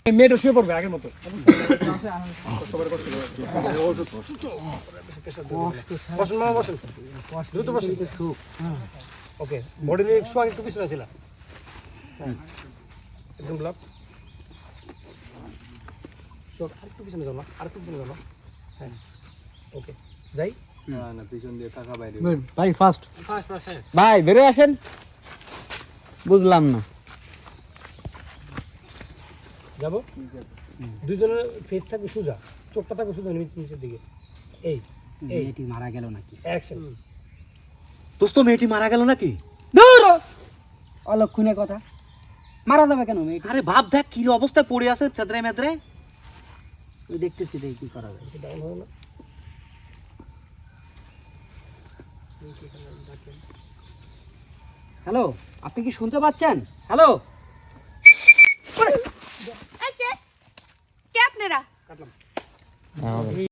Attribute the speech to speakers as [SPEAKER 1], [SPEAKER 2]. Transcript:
[SPEAKER 1] মেয়েটা শুয়ে পড়বে আগের মতো। বসুন মামা, বসুন, দ্রুত বসুন। ওকে, বডি নিয়ে একটু আগে একটু পিছনে ছিল, একদম ব্লক। আরেকটু পিছনে যাও না, আরেকটু পিছনে যাও না। হ্যাঁ, ওকে, যাই।
[SPEAKER 2] না পিছন দিয়ে টাকা বাইরে।
[SPEAKER 3] ভাই ফাস্ট
[SPEAKER 1] হ্যাঁ,
[SPEAKER 3] ভাই বেরো আসেন। বুঝলাম না।
[SPEAKER 1] যাবো। দুইজনের ফেস থাকবে সোজা, চোখটা থাকবে সোজা নিচের দিকে। এই এই
[SPEAKER 4] মেয়েটি মারা গেল নাকি?
[SPEAKER 1] অ্যাকশন।
[SPEAKER 2] দোস্ত মেয়েটি মারা গেল নাকি?
[SPEAKER 4] দূর অলক্ষণে কথা, মারা যাবে কেন মেয়েটি?
[SPEAKER 2] আরে ভাব দেখ কি অবস্থায় পড়ে আছে চেদ্রায় মেদ্রায়।
[SPEAKER 4] ওই দেখতেছি দেখি কি করা যায়।
[SPEAKER 1] ডাউন হবে না?
[SPEAKER 4] হ্যালো, আপনি কি শুনতে পাচ্ছেন? হ্যালো,
[SPEAKER 5] কে আপনারা?
[SPEAKER 1] কাটলাম।